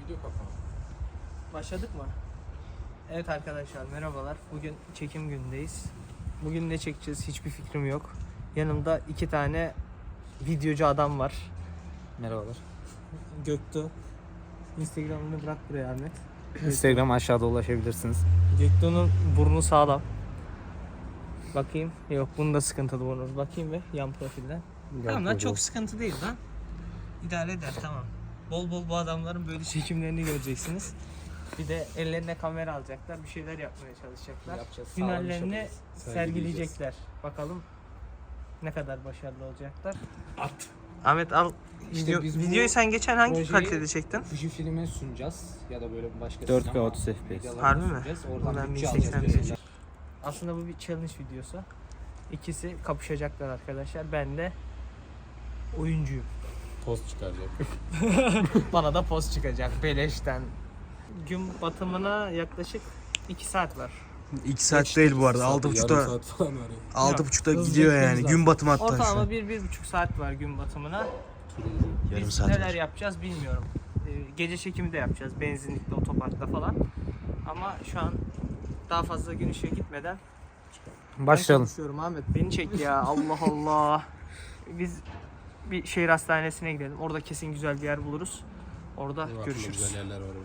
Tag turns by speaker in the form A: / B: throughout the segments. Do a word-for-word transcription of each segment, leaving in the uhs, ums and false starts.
A: Video kapalı.
B: Başladık mı? Evet arkadaşlar merhabalar. Bugün çekim günündeyiz. Bugün ne çekeceğiz hiçbir fikrim yok. Yanımda iki tane videocu adam var.
C: Merhabalar.
B: Göktuğ. Instagram'ını bırak buraya Ahmet.
C: Instagram aşağıda ulaşabilirsiniz.
B: Göktuğ'un burnu sağlam. Bakayım. Yok bunda sıkıntılı burnu. Bakayım ve yan profilden. Tamam lan çok sıkıntı değil lan. İdare eder tamam. Bol bol bu adamların böyle çekimlerini göreceksiniz. Bir de ellerine kamera alacaklar, bir şeyler yapmaya çalışacaklar.
C: Yapacağız,
B: Hünerlerini
C: sağlam
B: sergileyecekler. Bakalım ne kadar başarılı olacaklar.
A: At.
B: Ahmet al.
A: İşte
B: Video,
A: biz bu
B: videoyu sen geçen hangi
A: projeyi
B: kalitede çektin?
A: Fujifilm'e sunacağız ya da böyle başka
C: dört K
A: sinema
C: otuz F P S.
A: medyalarına
B: Harbi mi?
A: sunacağız. Oradan
B: Ben
A: bütçe
B: bin
A: alacağız
B: seksen
A: böyle.
B: bir. Aslında bu bir challenge videosu. İkisi kapışacaklar arkadaşlar. Ben de oyuncuyum.
A: Post çıkaracak.
B: Bana da poz çıkacak beleşten. Gün batımına yaklaşık iki saat var.
D: iki saat değil bu arada. altı buçukta
A: saat falan var ya.
D: altı buçukta
B: hızlı
D: gidiyor yani.
B: gitmemiz lazım.
D: Gün batımı hatta şu
B: Ortalama
D: an.
B: bir, bir buçuk saat var gün batımına.
D: Yarım
B: Biz
D: saat
B: neler
D: var.
B: yapacağız bilmiyorum. Ee, gece çekimi de yapacağız. Benzinlikte, otoparkta falan. Ama şu an daha fazla gün ışığı gitmeden
C: Başlayalım.
B: ben konuşuyorum Ahmet. Beni çek ya. Allah Allah. Biz bir şehir hastanesine gidelim. Orada kesin güzel bir yer buluruz. Orada görüşürüz.
A: Güzel yerler var.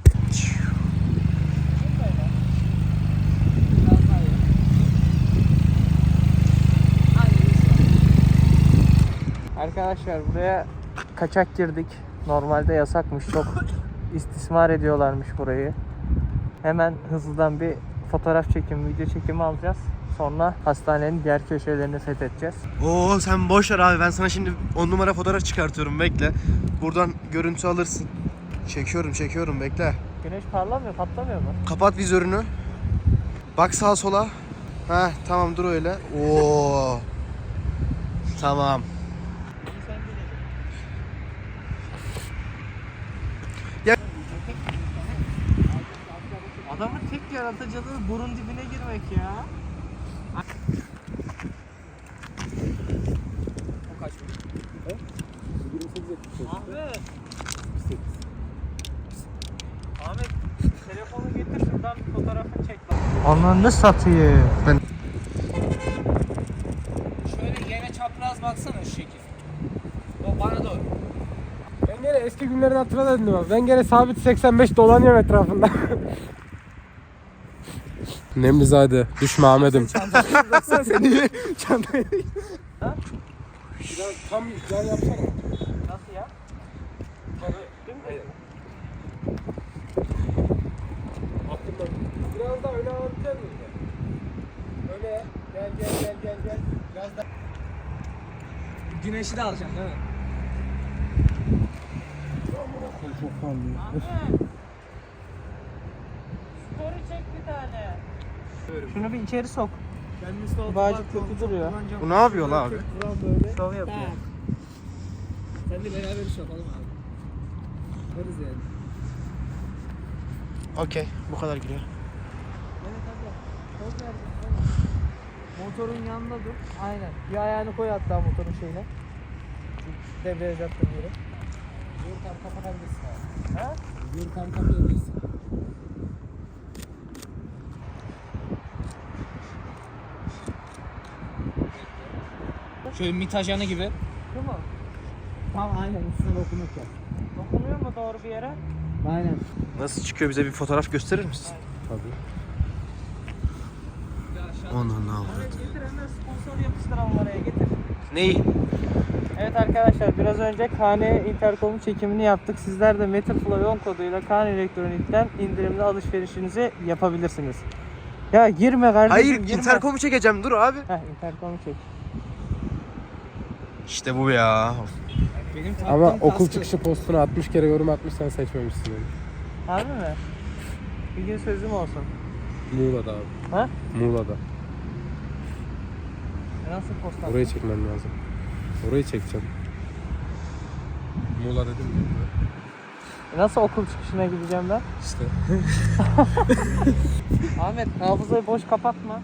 B: Arkadaşlar buraya kaçak girdik. Normalde yasakmış. Çok istismar ediyorlarmış burayı. Hemen hızlıdan bir fotoğraf çekimi, video çekimi alacağız. Sonra hastanenin diğer köşelerini fethedeceğiz.
D: Oo sen boş ver abi. Ben sana şimdi on numara fotoğraf çıkartıyorum. Bekle. Buradan görüntü alırsın. Çekiyorum çekiyorum bekle.
B: Güneş parlamıyor, patlamıyor mu?
D: Kapat vizörünü. Bak sağa sola. Heh tamam dur öyle. Oo. Tamam. Ya-
B: Adamın tek yaratıcılığı burun dibine girmek ya. O kaç mı? Ahmet. Ahmet telefonu getir şuradan bir fotoğrafını çek bak. Ananı satayım.
D: Ben-
B: Şöyle yere çapraz baksana şu şekil. O bana doğru.
E: Ben gene eski günlerini hatırladım abi. Ben gene sabit seksen beş dolanıyorum etrafında. Nemlizade, düşme Ahmet'im.
D: Baksana seni çantaya.
E: Biraz tam güzel yapsana.
B: Nasıl ya?
E: Aklımda. Biraz daha öne alabilir miyim? Öne. Gel gel gel gel gel. Biraz daha.
B: Güneşi de alacaksın değil mi?
E: Çok parlıyor.
B: Ahmet. Story çek bir tane. Şunu bir içeri sok. Bağcık kötü duruyor.
D: Bu ne yapıyor lan abi?
B: Şov yapıyor.
E: Sen de beraber iş yapalım abi. Varız yani.
D: Okey bu kadar giriyor.
B: Evet hadi. Poz ver. Motorun yanında dur. Aynen. Bir ayağını koy hatta motorun şeyine. Debriyaj attığın yere.
E: Yürürken kapatabilirsin abi.
B: Ha?
E: Yürürken kapatabilirsin.
C: Şöyle mitajanı gibi.
B: Şu mu?
E: Tam aynen üstüne dokunup yap.
B: Dokunuyor mu doğru bir yere?
E: Aynen.
D: Nasıl çıkıyor bize bir fotoğraf gösterir misin?
E: Tabii.
D: Onu ne
B: Evet getir hemen sponsor yapıştıralım oraya getir.
D: Neyi?
B: Evet arkadaşlar biraz önce Kane Intercom'un çekimini yaptık. Sizler de Metroflow on koduyla Kane Elektronik'ten indirimli alışverişinizi yapabilirsiniz. Ya girme kardeşim
D: Hayır
B: girme.
D: interkomu çekeceğim dur abi.
B: Heh Intercom'u çek.
D: İşte bu ya.
B: Benim
E: Ama okul çıkışı postuna altmış kere yorum atmış, sen seçmemişsin yani.
B: Harbi mi? Bir gün sözüm olsun.
E: Muğla'da abi.
B: Ha?
E: Muğla'da.
B: E nasıl post attın?
E: Orayı çekmem lazım. Orayı çekeceğim. Muğla dedim mi?
B: E nasıl okul çıkışına gideceğim ben?
E: İşte.
B: Ahmet hafızayı boş kapatma.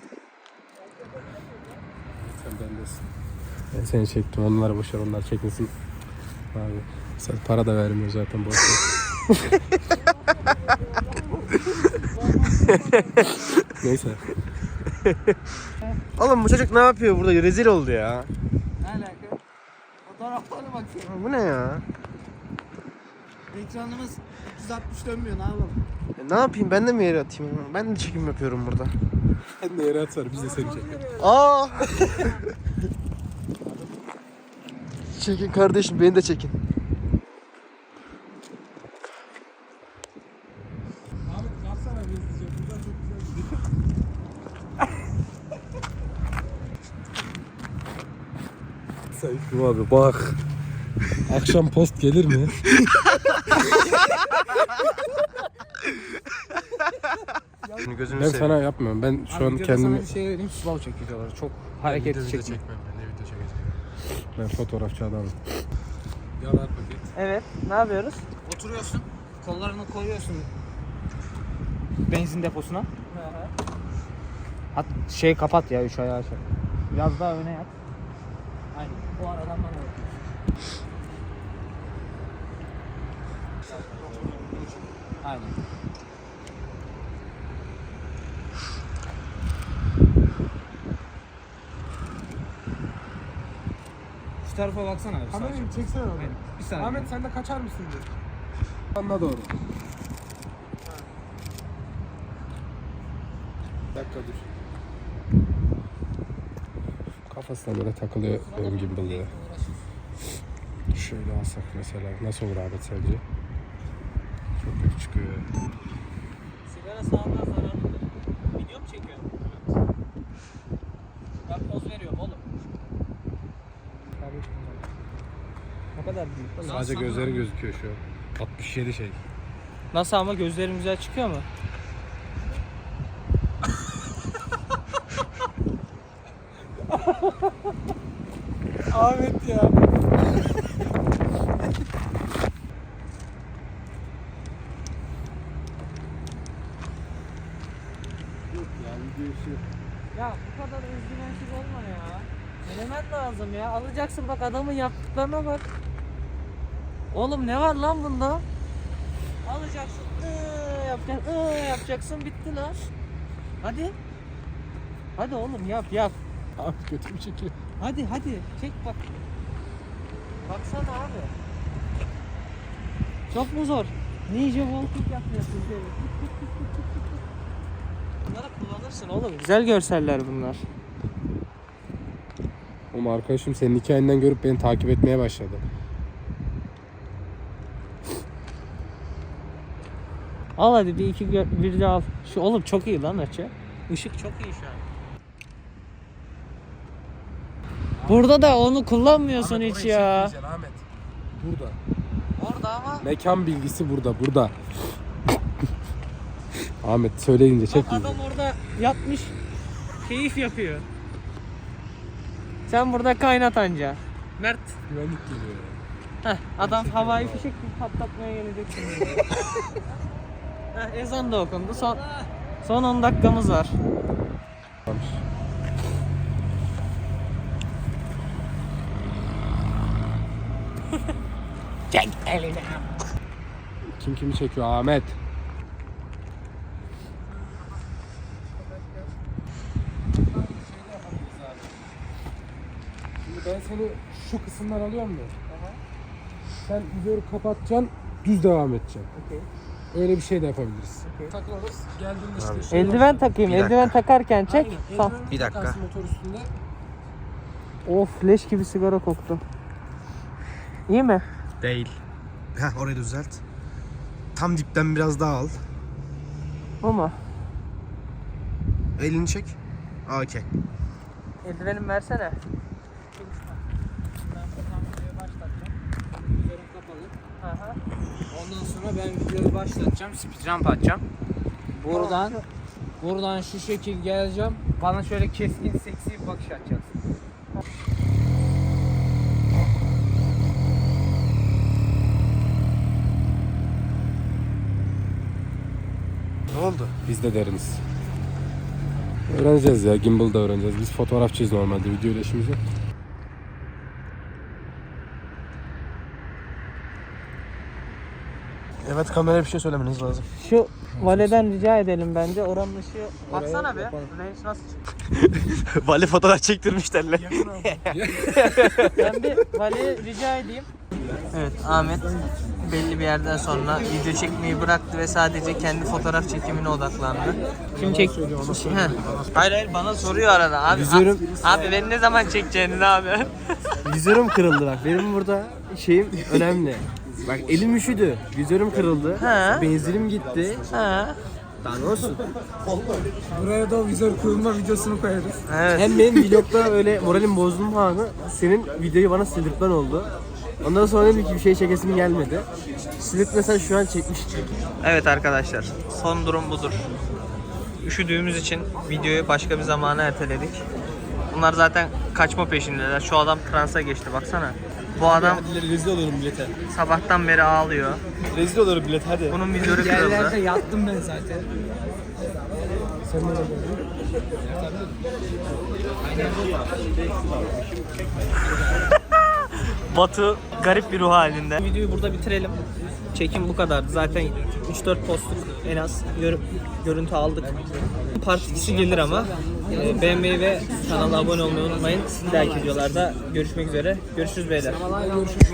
E: Sen bendesin. Ben seni çektim. Onları boşver, onlar çekmesin. Abi. Sen para da vermiyor zaten boş ver. Neyse.
D: Oğlum bu çocuk ne yapıyor burada? Rezil oldu ya.
C: Ne alaka? Fotoğraflarına bakıyorum.
D: Bu ne ya?
C: Ekranımız üç yüz altmış dönmüyor, ne yapalım?
D: E, ne yapayım? Ben de mi yere atayım? Ben de çekim yapıyorum burada.
E: Sen de yere atsana biz de seni çekelim.
D: Aa! Çekin kardeşim, beni de çekin.
E: Ahmet kalksana bir izleyeceğim. Buradan çok güzel gidiyor. Sayıklım abi bak. Akşam post gelir mi?
D: Şimdi gözünü
E: Ben
D: seveyim.
E: sana yapmıyorum. Ben şu
C: Abi
E: an
C: videoda
E: kendimi...
C: sana bir şey vereyim, slow çekiyorlar. Çok hareketli çekmiyor.
E: çekmem ben. Ne video çekeceğim? Ben fotoğrafçı adamım. Yalar paket.
B: Evet. Ne yapıyoruz?
C: Oturuyorsun, kollarını koyuyorsun benzin deposuna. Hat şey kapat ya, üç ayağı aç. Biraz daha öne yat. Aynen. O aradan bana bakıyorsun. Aynen. Şu tarafa baksana abi.
E: Kamerayı
C: sadece.
E: çeksene abi.
C: Aynen. Bir saniye.
E: Ahmet sen de kaçar mısın diye. Anla doğru. Bir dakika dur. Kafasına böyle takılıyor ön gimbal'ı. Şöyle alsak mesela nasıl olur Ahmet sence? Çok kötü çıkıyor.
B: Sigara sağlığa zararlıdır. Video mu çekiyorsun? Ben poz veriyorum oğlum. Ne kadar büyük.
E: Sadece gözleri gözüküyor şu an. altmış yedi şey.
B: Nasıl ama gözlerim güzel çıkıyor mu?
E: Ahmet ya.
B: Ya bu kadar özgüvensiz olma ya. Denemen lazım ya. Alacaksın bak adamın yaptıklarına bak. Oğlum ne var lan bunda? Alacaksın, ıı, yapacaksın, ıı, yapacaksın, bitti lan. Hadi. Hadi oğlum yap yap.
E: Abi kötü mü çekiyor?
B: Hadi hadi çek bak. Baksana abi. Çok mu zor? Ninja walking yapıyorsun seni. Bunları kullanırsın oğlum. Güzel görseller bunlar.
E: Oğlum arkadaşım senin hikayenden görüp beni takip etmeye başladı.
B: Al hadi bir iki gö- bir de al. Şu oğlum çok iyi lan açı. Işık çok iyi şu an. Burada da onu kullanmıyorsun hiç ya.
E: Ahmet. Burada.
B: Orada ama
E: Mekan bilgisi burada, burada. Ahmet söyleyince çek.
B: bak adam orada yatmış keyif yapıyor. Sen burada kaynat anca. Mert.
E: Güvenlik geliyor ya.
B: Heh, adam havai fişek gibi patlatmaya gelecek şimdi. Heh, ezan da okundu. Son son on dakikamız var.
E: Tamam.
B: Çek elini.
E: Kim kimi çekiyor Ahmet? Şimdi ben seni şu kısımdan alıyorum mu? Sen videoyu kapatacaksın, düz devam edeceksin.
B: Okey.
E: Öyle bir şey de yapabiliriz. Takılırız. Geldiğinde işte.
B: Eldiven takayım.
D: Bir dakika.
B: Eldiven takarken çek.
E: Aynen,
B: Sağ.
E: eldiven
D: Bir dakika.
E: takarsın motor üstünde.
B: Of leş gibi sigara koktu. İyi mi?
D: Değil. Heh, orayı düzelt. Tam dipten biraz daha al.
B: Bu mu?
D: Elini çek. Aa, okey.
B: Eldivenimi versene.
C: Ben buradan videoyu başlatacağım. Üzerim kapalı.
B: Aha.
C: Ondan sonra ben videoyu başlatacağım. Speed jump atacağım. Buradan buradan şu şekil geleceğim. Bana şöyle keskin, seksi bir bakış atacaksın.
D: Ne oldu?
E: Biz de deriniz. Öğreneceğiz ya, gimbal da öğreneceğiz. Biz fotoğrafçıyız normalde, video ile işimiz yok.
D: Evet, kameraya bir şey söylemeniz lazım.
B: Şu valeden rica edelim bence. Oranın ışığı... Baksana be. Reis nasıl çıkıyor?
D: Vali fotoğraf çektirmiş derler.
B: Ben bir valeye rica edeyim. Evet, Ahmet belli bir yerden sonra video çekmeyi bıraktı ve sadece kendi fotoğraf çekimine odaklandı. Kim çek? Heh. Hayır hayır, bana soruyor arada abi.
D: Vizörüm-
B: Abi beni ne zaman çekeceğini abi?
D: Vizörüm kırıldı bak. Benim burada şeyim önemli. Bak elim üşüdü. Vizörüm kırıldı.
B: Ha.
D: Benzinim gitti.
B: Ha.
D: Daha ne olsun?
C: Buraya da vizör kurulma videosunu koyarız.
B: Evet.
D: Hem benim vlogda öyle moralim bozduğum anı senin videoyu bana sildirtmen oldu. Ondan sonra dedim ki bir şey çekesim gelmedi. Sildirtmesen şu an çekmiştim.
B: Evet arkadaşlar, son durum budur. Üşüdüğümüz için videoyu başka bir zamana erteledik. Bunlar zaten kaçma peşindeler. Şu adam transa geçti, baksana. Bu adam
D: Rezil oluyorum bilete.
B: sabahtan beri ağlıyor.
D: Rezil oluyorum bilet hadi.
B: Bunun vizörü
C: Yerlerde
B: kırıldı.
C: yattım ben zaten.
B: Batu garip bir ruh halinde. Videoyu burada bitirelim. Çekim bu kadardı. Zaten üç dört postluk en az gör- görüntü aldık. Part ikisi gelir ama. Ee, beğenmeyi ve kanala abone olmayı unutmayın. Bir dahaki videolarda görüşmek üzere. Görüşürüz beyler.